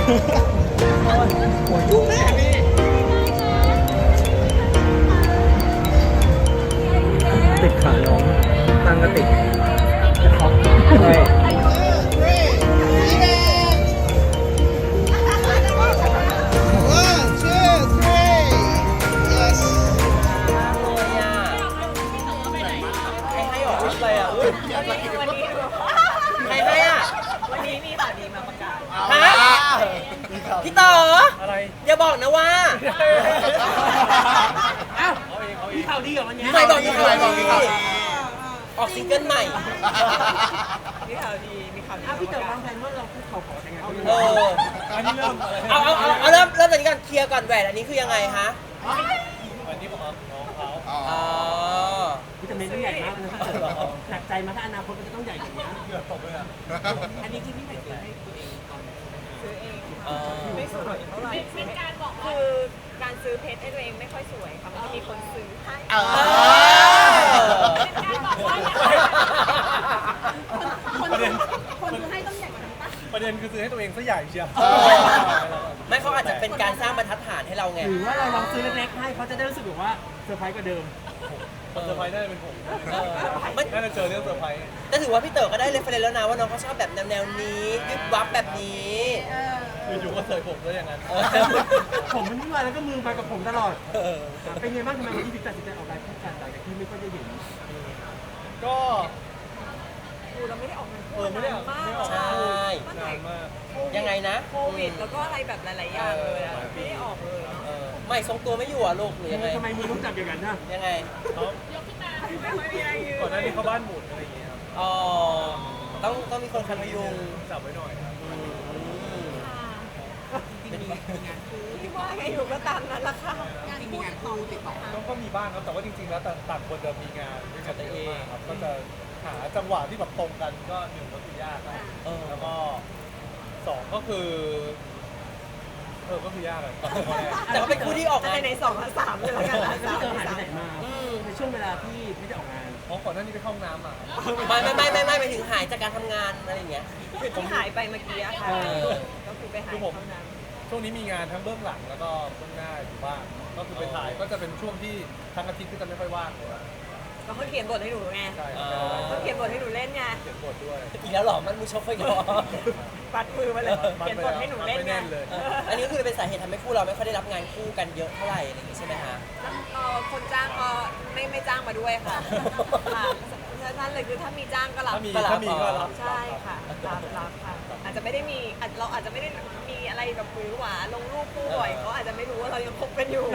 ยุ่งแม่นี่ติดขาน้องตั้งก็ติดจะช็อกใช่ใครให้อ่ะวันนี้มีข่าวดีมาประกาศฮะพี่เต๋ออะไรอย่าบอกนะว่าอ้าวมีข่าวดีเหรอวันนี้ใครบอกมีข่าวดีออกซิงเกิลใหม่มีข่าวดีพี่เต๋อวางแผนว่าเราคือเขาขอแต่งงานอันนี้เริ่มเอาเริ่มแบบนี้ก่อนเคลียร์ก่อนแหวนอันนี้คือยังไงฮะวันนี้ผมเอาน้องเขาวิตามินต้องใหญ่มากนะถ้าเกิดหนักใจมาถ้าอนาคตมันจะต้องใหญ่กว่านี้เกือบตกเลยอ่ะอันนี้ที่พี่ใหม่ซื้อให้ตัวเองก่อนซื้อเองไม่สวยเท่าไหร่เป็นการบอกคือการซื้อเพชรให้ตัวเองไม่ค่อยสวยค่ะมันจะมีคนซื้อให้เป็นการบอกว่าคนซื้อให้ต้องใหญ่กว่านั้นปะประเด็นคือซื้อให้ตัวเองซะใหญ่เชียวไม่เขาอาจจะเป็นการสร้างบรรทัดฐานให้เราไงหรือว่าเราลองซื้อเล็กๆให้เขาจะได้รู้สึกแบบว่าเซอร์ไพรส์กว่าเดิมคนเซอร์ไพรส์น่าจะเป็นผมน่าจะเจอเรื่องเซอร์ไพรส์แต่ถือว่าพี่เต๋อก็ได้เรฟเฟรนซ์แล้วนะว่าน้องเขาชอบแบบแนวนี้ยึดวับแบบนี้อยู่ก็เสยผมซะอย่างนั้นผมมันไม่มาแล้วก็มือมากับผมตลอดเป็นไงบ้างทำไมวันนี้ถึงตัดสินใจออกไลน์คู่กันหลังจากที่ไม่ค่อยได้เห็นก็เราไม่ได้ออกงานคู่นานมากใช่นานมากยังไงนะโควิดแล้วก็อะไรแบบหลายๆอย่างเลยอ่ะไม่ได้ออกเลยเนาะไม่ทรงตัวไม่อยู่อ่ะลูกหรือยังไงทำไมมือต้องจับอย่างนั้นนะยังไงยกขึ้นมาไม่มีอะไรยืนก่อนหน้านี้เขาบ้านหมุนอะไรอย่างเงี้ยครับอ๋อต้องมีคนคอยพยุงจับไว้หน่อยครับที่ว่าไงอยู่ก็ตามนั้นละค่ะจริงมีงานคู่ติดต่อก็มีบ้างครับแต่ว่าจริงๆแล้วต่างคนจะมีงานด้วยกันเองครับก็จะหาจังหวะที่แบบตรงกันก็หนึ่งก็คือยากครับแล้วก็สองก็คือก็คือยากเลยแต่ก็เป็นคู่ที่ออกงานใน2 3เลยแล้วกันที่เจอหายไปไหนมาในช่วงเวลาที่ไม่ได้ออกงานก่อนหน้านี้ไปเข้าห้องน้ำมาไม่ถึงหายจากการทำงานอะไรอย่างเงี้ยที่หายไปเมื่อกี้ค่ะก็คือไปหายเข้าน้ำช่วงนี้มีงานทั้งเบื้องหลังแล้วก็เบื้องหน้าอยู่บ้างก็คือไปถ่ายก็จะเป็นช่วงที่ทั้งอาทิตย์ก็จะไม่ค่อยว่างเลยก็เขาเขียนบทให้หนูไงเขาเขียนบทให้หนูเล่นไงเขียนบทด้วยอีกแล้วหรอมันมือชกไปก่อนปัดมือมาเลยเขียนบทให้หนูเล่นไงอันนี้คือเป็นสาเหตุทำให้คู่เราไม่ค่อยได้รับงานคู่กันเยอะเท่าไหร่อะไรอย่างงี้ใช่ไหมฮะคนจ้างก็ไม่จ้างมาด้วยค่ะนั่นเลยคือถ้ามีจ้างก็รับถ้ามีก็รับใช่ค่ะรับค่ะอาจจะไม่ได้มีเราอาจจะไม่ได้มีอะไรแบบหวือหวาลงรูปคู่บ่อยเขาอาจจะไม่รู้ว่าเรายังคบกันอยู่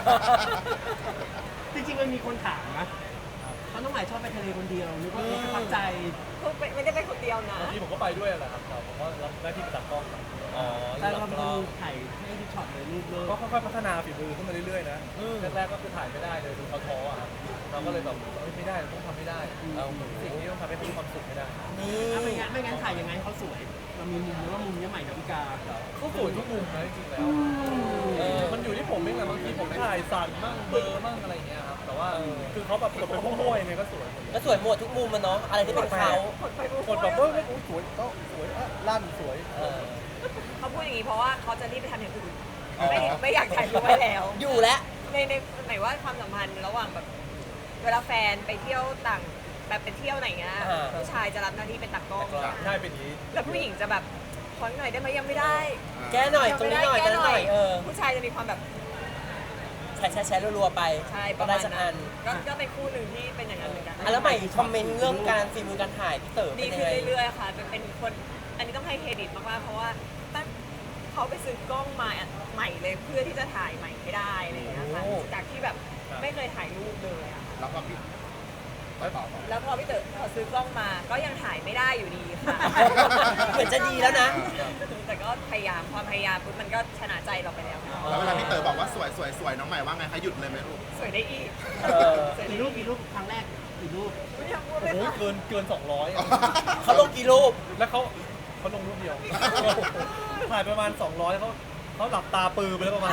จริงๆมันมีคนถามนะเขาต้องหมายชอบไปทะเลคนเดียวหรือว่าเขาตั้งใจไม่ได้ไปคนเดียวนะที่ผมก็ไปด้วยแหละครับผมก็รับหน้าที่ไปตัดกล้องแต่เราเป็นถ่ายให้ทุกช็อตเลยรูปเลยก็ค่อยๆพัฒนาฝีมือขึ้นมาเรื่อยๆนะแรกๆก็คือถ่ายไม่ได้เลยดูเขาท้ออ่ะเราก็เลยแบบไม่ได้ต้องทำไม่ได้สิ่งนี้ต้องทำให้เขามีความสุขให้ได้ไม่งั้นถ่ายยังไงเขาสวยเรามีมุมหรือว่ามุมนี้ใหม่ดาวิกาเขาสวยทุกมุมนะจริงๆแล้วมันอยู่ที่ผมเองแหละบางทีผมถ่ายสั่นมั่งเบอร์มั่งอะไรอย่างเงี้ยครับแต่ว่าคือเขาแบบเป็นพวกม้วยเนี่ยก็สวยหมดทุกมุมมันเนาะอะไรที่เป็นเขาคนแบบสวยก็สวยลั่นสวยเขาพูดอย่างนี้เพราะว่าเขาจะรีบไปทำอย่างอื่นไม่อยากถ่ายรูปไว้แล้วอยู่แล้วในหมายว่าความสัมพันธ์ระหว่างแบบเวลาแฟนไปเที่ยวต่างแบบไปเที่ยวไหนเงี้ยผู้ชายจะรับหน้าที่เป็นตากล้องใช่เป็นนี้แล้วผู้หญิงจะแบบขอหน่อยได้ไหมยังไม่ได้แก้หน่อยตรงนี้หน่อยแก้หน่อยผู้ชายจะมีความแบบแชร์รัวๆไปใช่ก็ได้สักอันก็เป็นคู่หนึ่งที่เป็นอย่างนั้นเหมือนกันแล้วใหม่คอมเมนต์เรื่องการฝีมือการถ่ายพี่เต๋อดีขึ้นเรื่อยๆค่ะเป็นคนอันนี้ต้องให้เครดิตมากๆเพราะว่าตั้งเขาไปซื้อกล้องมาใหม่เลยเพื่อที่จะถ่ายใหม่ให้ได้อะไรอย่างเงี้ยค่ะจากที่แบบไม่เคยถ่ายรูปเลยอะแล้วก็พี่แล้วพอพี่เต๋อซื้อกล้องมาก็ยังถ่ายไม่ได้อยู่ดีค่ะเหมือนจะดีแล้วนะแต่ก็พยายามความพยายามปุ๊บมันก็ชนะใจเราไปแล้วแล้วเวลาพี่เต๋อบอกว่าสวยน้องใหม่ว่าไงคะหยุดเลยไหมลูกสวยได้อีกกี่รูปครั้งแรกกี่รูปไม่อยากพูดเลยเกิน200 เขาลงกี่รูปแล้วเขาลงรูปเดียวถ่ายประมาณ200เขาหลับตาปือไปแล้วประมาณ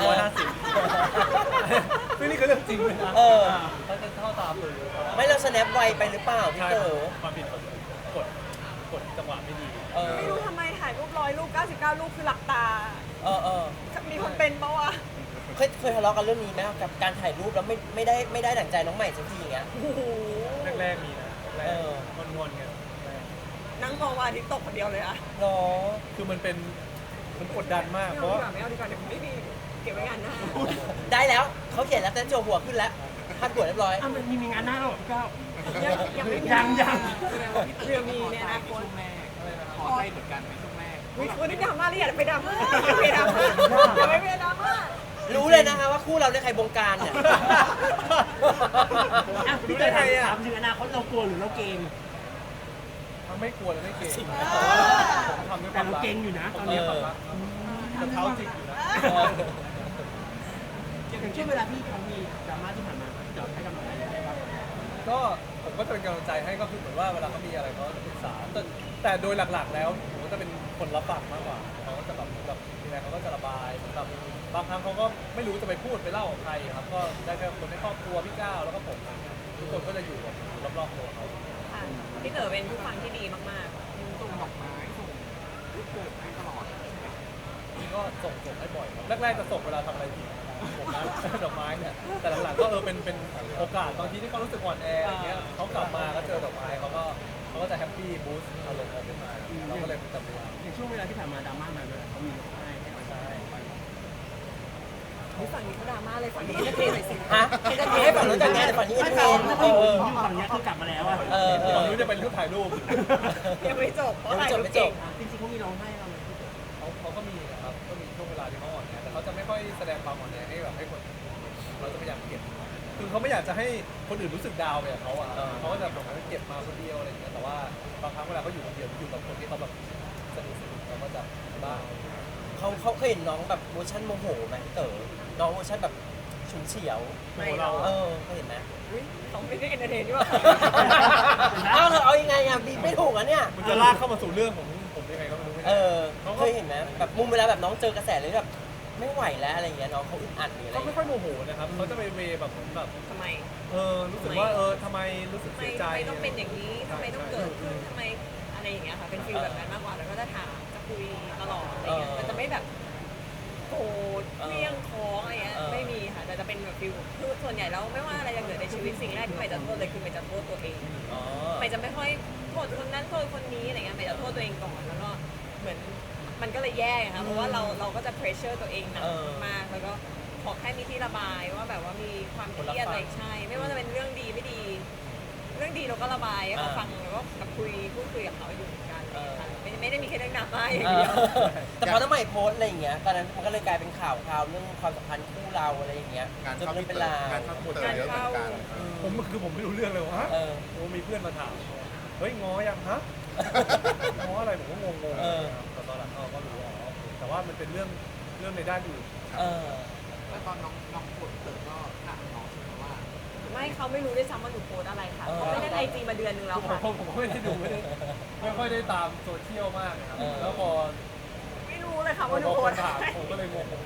150ซึ่งนี่คือเรื่องจริงเลยนะเขาจะเข้าตาปือไม่เราสแนปไวไปหรือเปล่าพี่เต๋อความผิดกดจังหวะไม่ดีไม่รู้ทำไมถ่ถ่ายรูป100 รูป 99 รูปคือหลับตาเออมีคนเป็นปะวะเคยทะเลาะกันเรื่องนี้ไหมกับการถ่ายรูปแล้วไม่ได้ดั่งใจน้องใหม่สักทีอย่างเงี้ยโอ้โหแรกๆมีนะแรกเออๆงอนๆกันแรกนั่งมองวันอาทิตย์ตกคนเดียวเลยอะหรอคือมันกดดันมากไม่เพเอาราะดีกว่าไม่เอาดีกว่าเดี๋ยวไม่มีเก็บไว้งานหน้าได้แล้วเขาเขียนแล้วแต่โจหัวขึ้นแล้วพัดหัวเรียบร้อยอ้าวมันมีงานหน้าหรอพี่ก้าวยังไม่มียังเรือมีในอนาคตขอได้เหมือนกันในช่วงแรกวิคุณนี่ดราม่าหรืออย่าไปดราม่าอย่าไปดราม่าอย่าไปดราม่ารู้เลยนะคะว่าคู่เราเนี่ยใครบงการเนี่ยอ่ะพี่เต๋อถามถึงอนาคตเรากลัวหรือเราเกรงมันไม่กลัวและไม่เก่งผมทำด้วยคแต่วามเรารักเกรงอยู่นะตอนเอนี้อแต่เท้าจิกอยู่นะอย่างเช่นเวลาพี่เขามีดราม่าที่ผ่านมาเดี๋ยวให้กำลังใจยังไงบ้างก็ผมก็จะเป็นกำลังใจให้ก็คือเหมือนว่าเวลาเขามีอะไรเขาจะปรึกษาแต่โดยหลักๆแล้วผมก็จะเป็นคนรับฟังมากกว่าเขาก็จะแบบมีอะไรเขาก็จะระบายแบบบางครั้งเขาก็ไม่รู้จะไปพูดไปเล่ากับใครครับก็ได้แค่คนในครอบครัวพี่ก้าวแล้วก็ผมทุกคนก็จะอยู่แบบรอบๆตัวเขาค่ะพี่เต๋อเป็นผู้ฟังที่ดีมากส่งดอกไม้ส่งรูปเกิดให้ตลอดก็ส่งให้บ่อยครับแรกๆจะส่งเวลาทำอะไรผิดผมนะ ดอกไม้เนี่ยแต่หลังๆก็เป็นโอกาสบางทีที่เขารู้สึกอ่อนแออย่างเงี้ยเขากลับมาก็เจอดอกไม้เขาก็จะแฮปปี้บูสต์อารมณ์เขาขึ้นมาเราก็เลยเป็นจำเวลาอย่างช่วงเวลาที่ผ่านมาดราม่ามาเลยเขามีร้องไห้ให้กำลังใจๆผู้ฟังนี้เขาดราม่าเลยฝั่งนี้เอนเตอร์เทนหน่อยสิฮะให้ฝั่งนู้นจัดงานแต่ฝั่งนี้เอ็นเตอร์เทนไม่ค่อยอยู่ฝั่งนี้คือกลับมาแล้วอะตอนนี้จะเป็นรูปถ่ายรูปยังไม่จบเพราะถ่ายรูปจเก่บงจริงๆเขามีร้องไห้เราเลยพี่เต๋อเขาก็มีนะครับ ก็มีช่วงเวลาที่เขาอ่อนแอแต่เขาจะไม่ค่อยแสดงความอ่อนแอให้แบบให้คนเราจะพยายามเก็บ คือเขาไม่อยากจะให้คนอื่นรู้สึกดาวไปกับเขาอ่ะเขาก็จะแบบเก็บมาคนเดียวอะไรอย่างเงี้ย แต่ว่าบางครั้งเวลาเขาอยู่คนเดียวอยู่กับคนที่เขาแบบสนิทเขาก็จะบ้างเขาเคยเห็นน้องแบบเวอร์ชันโมโหไหมพี่เต๋อน้องเวอร์ชันแบบฉุนเฉียวไม่หรอกเคยเห็นไหมอุ๊ยเขาไม่ได้เอนเตอร์เทนด้วยเอาเธอเอายังไงอ่ะบีบไม่ถูกอ่ะเนี่ยมันจะลากเข้ามาสู่เรื่องของผมยังไงก็ไม่รู้เคยเห็นไหมแบบมุมเวลาแบบน้องเจอกระแสเลยแบบไม่ไหวแล้วอะไรอย่างเงี้ยน้องเขาอึดอัดหรืออะไรเขาไม่ค่อยโมโหนะครับเขาจะไปเวแบบทำไมรู้สึกว่าทำไมรู้สึกทำไมเสียใจต้องเป็นอย่างนี้ทำไมต้องเกิดขึ้นทำไมอะไรอย่างเงี้ยค่ะ เป็นฟีลแบบนั้นมากกว่า แล้วก็จะถาม จะคุยตลอดอะไรเงี้ยแต่จะไม่แบบโกรธเลี่ยงท้องอะไรเงี้ย ไม่มีค่ะ แต่จะเป็นแบบฟีลคือส่วนใหญ่แล้วไม่ว่าอะไรจะเกิดในชีวิตสิ่งแรกที่ใหม่จะโทษเลยคือใหม่จะโทษตัวเอง ใหม่จะไม่ค่อยโทษคนนั้นโทษคนนี้อะไรเงี้ยใหม่จะโทษตัวเองก่อน แล้วก็เหมือนมันก็เลยแย่ค่ะ เพราะว่าเราก็จะเพรสเชอร์ตัวเองหนักมาก แล้วก็ขอแค่มีที่ระบายว่าแบบว่ามีความเครียดอะไรใช่ ไม่ว่าจะเป็นเรื่องดีไม่ดี เรื่องดีเราก็ระบายให้เขาฟังแล้วก็แบบพูดคุยกับเขาอยู่เหมือนกันไม่ได้มีแค่เรื่องดราม่าอย่างเดียวแต่พอน้องใหม่โพสต์อะไรอย่างเงี้ยตอนนั้นมันก็เลยกลายเป็นข่าวเรื่องความสัมพันธ์คู่เราอะไรอย่างเงี้ยงานจนเข้าเรื่อพี่งเต๋เป็นราวองานเข้าพี่เต๋อเยอะเหมือนกันผมไม่รู้เรื่องเลยว่ามีเพื่อนมาถามเฮ้ยง้อยังฮะง้ออะไรผมก็งงๆแต่ตอนหลังก็รู้แต่ว่ามันเป็นเรื่องในด้านอื่นแล้วตอนน้องปวดเต๋อก็ถามน้องใช่ไหมว่าไม่เขาไม่รู้ด้วยซ้ำว่าหนูโพสอะไรค่ะเขาไม่ได้ไอจีมาเดือนนึงแล้วค่ะผมไม่ได้ดูไม่ค่อยได้ตามโซเชียลมากนะครับแล้วพอไม่รู้เลยค่ะว่าหนูคโพสนอะถามไรผมก็เลยงง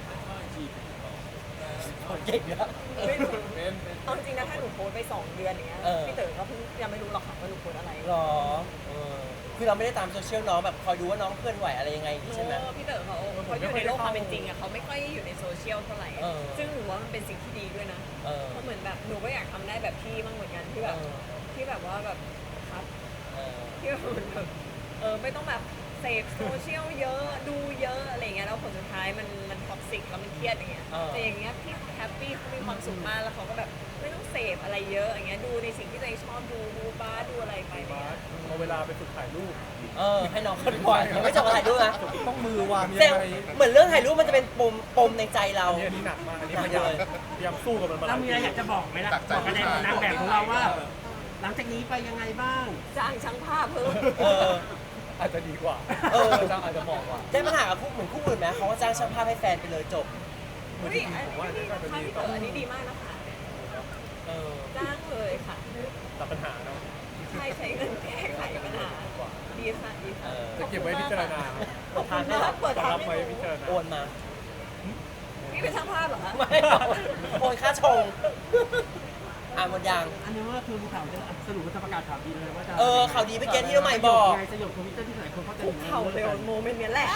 เก่งนะไม่รู้เป็นเอาจริงนะถ้าหนูโพสไป2 เดือนอย่างเงี้ยพี่เต๋อก็เพิ่งยังไม่รู้หรอกค่ะว่าหนูโพสอะไรหรอคือเราไม่ได้ตามโซเชียลน้องแบบคอยดูว่าน้องเคลื่อนไหวอะไรยังไงใช่ไหมพี่เต๋อเขาอยู่ในโลกความเป็นจริงอะเขาไม่ค่อยอยู่ในโซเชียลเท่าไหร่ ซึ่งหนูว่ามันเป็นสิ่งที่ดีด้วยนะเพราะเหมือนแบบหนูก็อยากทำได้แบบพี่บ้างเหมือนกันที่แบบว่าแบบครับที่แบบไม่ต้องแบบเสพโซเชียลเยอะดูเยอะอะไรเงี้ยแล้วผลสุดท้ายมันท็อกซิกแล้วมันเครียดอย่างเงี้ยแต่อย่างเงี้ยพี่แฮปปี้เขามีความสุขมากแล้วเขาก็แบบไม่ต้องเสพอะไรเยอะอย่างเงี้ยดูในสิ่งที่ตัวเองชอบดูบาสดูอะไรไปเนี่ยเอาเวลาไปฝึกถ่ายรูปให้น้องเขาบ่อยยังไม่จบกับถ่ายรูปนะต้องมือวางแต่ยังไงเหมือนเรื่องถ่ายรูปมันจะเป็นปมในใจเราอันนี้หนักมากอันนี้พยายามสู้กับมันมาเรามีอะไรอยากจะบอกไหมล่ะบอกกับนางแบบของเราว่า หลังจากนี้ไปยังไงบ้างจ้างช่างภาพเพิ่มอาจจะดีกว่าอาจจะเหมาะกว่าได้ปัญหากับคู่เหมือนคู่อื่นไหมเขาก็จ้างช่างภาพให้แฟนไปเลยจบเฮ้ยอันนี้ดีมากนะคะจ้างเลยค่ะตัดปัญหาเนาะใช่ใช้เงินแก้ไขปัญหาดีค่ะดีค่ะจะเก็บไว้พิจารณาขอบคุณมากเปิดทางรับไว้ให้พิดูจารณาโอนมานี่เป็นช่างภาพเหรอคะไม่โอนค่าชงอ่านหมดยังอันนี้ว่าคือมีข่าวจะสรุปว่าจะประกาศข่าวดีเลยว่าจะข่าวดีเมื่อกี้ที่น้องใหม่บอกไงสยบทวิตเตอร์ที่หลายคนเขาจะคุกเข่าเลยโมเมนต์เนี้ยแหละ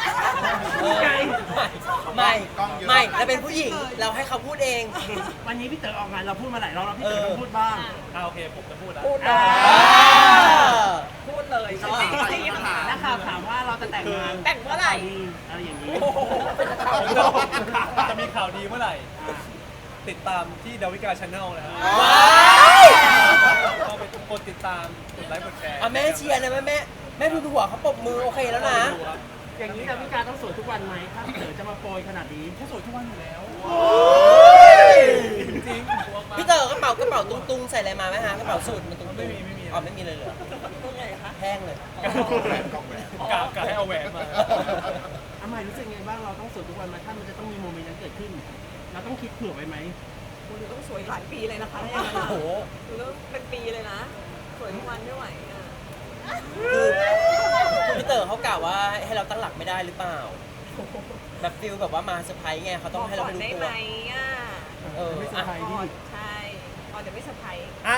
ไม่เราเป็นผู้หญิงเราให้เขาพูดเองวันนี้พี่เต๋อออกงานเราพูดมาหลายรอบแล้วพี่เต๋อต้องพูดบ้างโอเคผมจะพูดแล้วพูดเลอ่ายพูดเลยจริงๆนักข่าวถามว่าเราจะแต่งงานแต่งเมื่อไหร่อะไรอย่างนี้จะมีข่าวดีเมื่อไหร่ ติดตามที่ดาวิกาชาแนลนะฮะว้ายก็ไปกดติดตามกดไลค์กดแชร์แม่เชียร์นะแม่ทุนหัวเขาปรบมือโอเคแล้วนะอย่างนี้ดาวิกาต้องสวยทุกวันไหมถ้าพี่เต๋อจะมาโปรยขนาดนี้เขาสวยทุกวันอยู่แล้วจริงพี่เต๋อกระเป๋าตุ้งๆใส่อะไรมาไหมฮะกระเป๋าสูทมันตุ้งๆไม่มีอ๋อไม่มีเลยเหรอตรงไหนคะแห้งเลยกะให้เอาแหวนมาอาหมายรู้สึกไงบ้างเราต้องสวยทุกวันไหมถ้ามันจะต้องมีโมเมนต์นั้นเกิดขึ้น เราต้องคิดเผื่อไว้ไหมคุณต้องสวยหลายปีเลยนะคะถ้าอย่างนั้นโอ้โหคุณต้องเป็นปีเลยนะ สวยทุกวันไม่ไหวอ่ะคือพี่เต๋อเขากล่าวว่าให้เราตั้งหลักไม่ได้หรือเปล่า แบบฟิลแบบว่ามาเซอร์ไพรส์ไงเขาต้องให้เราไปดูได้ตัวไหมอ่ะไม่เซอร์ไพรส์ดิใช่พอจะไม่เซอร์ไพรส์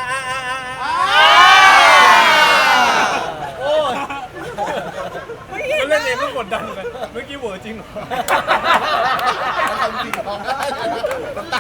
โอ้ยมันเล่นเองก็กดดันเลยเมื่อกี้เวอร์จริงเหรอทำจริงร้องได้เลยนะน้ำตา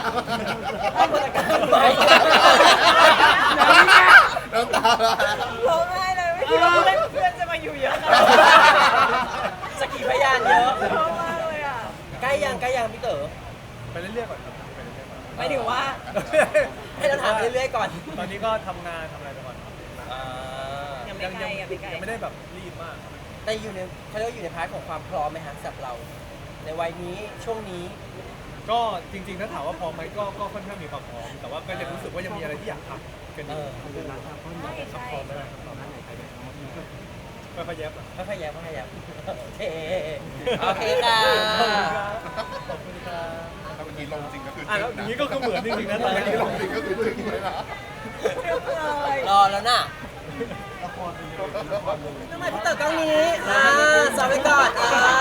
น้ำตาร้องไห้เลยไม่คิดว่าเพื่อนจะมาอยู่เยอะขนาดสกีพยานเยอะนี้ชอบมากเลยอ่ะใกล้ยังพี่เต๋อไปเรื่อยๆก่อนครับไปเรื่อยๆก่อนหมายถึงว่าให้เราถามไปเรื่อยๆก่อนตอนนี้ก็ทำงานทำอะไรไปก่อนยังไม่ไกลยังไม่ไกลยังไม่ได้แบบรีบมากแต่อยู่ในเขาเรียกว่าอยู่ในพาร์ทของความพร้อมไหมฮะสำหรับเรา ในวัยนี้ช่วงนี้ก็จริงๆถ้าถามว่าพร้อมไหมก็ค่อนข้างมีความพร้อม แต่ว่าก็ยังรู้สึกว่ายังมีอะไรที่อยากทำกันอยู่ใช่ใช่พร้อมไหมล่ะไม่ค่อยแยบหรอกค่อยๆแย้มโอเคโอเคค่ะขอบคุณครับถ้าเมื่อกี้ลงจริงก็คือแล้วอย่างนี้ก็คือเหมือนจริงๆนะถ้าเมื่อกี้ลงจริงก็คือจริงเลยนะเรียบเลยรอแล้วน่ะทำไมพี่เต๋อกล้องนี้สอบไปก่อน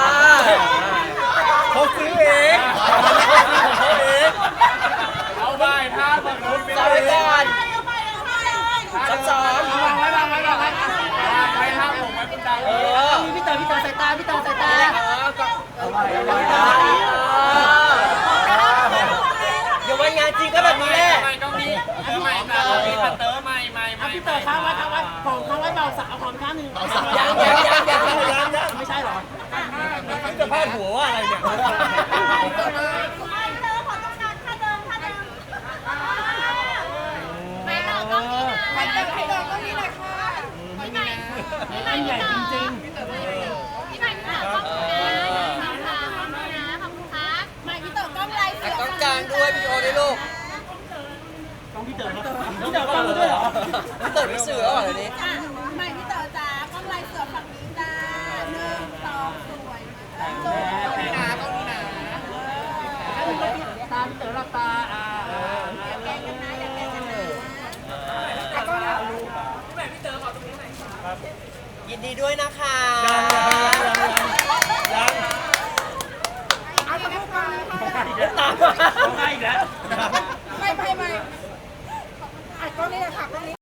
เขาซื้อเองเขาเองเอาไปท่าแบบนู้นสอบไปก่อนซ้อมไปท่าผมไว้คุณดังพี่เต๋อสายตาพี่เต๋อสายตาเดี๋ยววันงานจริงก็แบบนี้แหละก็มีเตอร์ใหม่นะมีเตอร์ใหม่พี่เต๋อค้างไว้ผมค้างไว้เบาสาวความข้างหนึ่งยังไม่ใช่หรอจะพาดหัวว่าอะไรเนี่ยอันใหญ่จริงแต่กล้องกลางด้วยวิดีโอด้วยลูกๆต้องพี่เต๋อฟังด้วยเหรอพี่เต๋อพี่เสือเหรอเดี๋ยวนี้ไม่พี่เต๋อจ้ากล้องลายเสือฝั่งนี้จ้า1 2สวยมากตาพี่เต๋อหลับตาแกล้งกันนะอย่าแกล้งกันนะยินดีด้วยนะคะยังเอาไปก่อนตามร้องไห้อีกแล้วไม่อัดกล้องนี้เลยค่ะกล้องนี้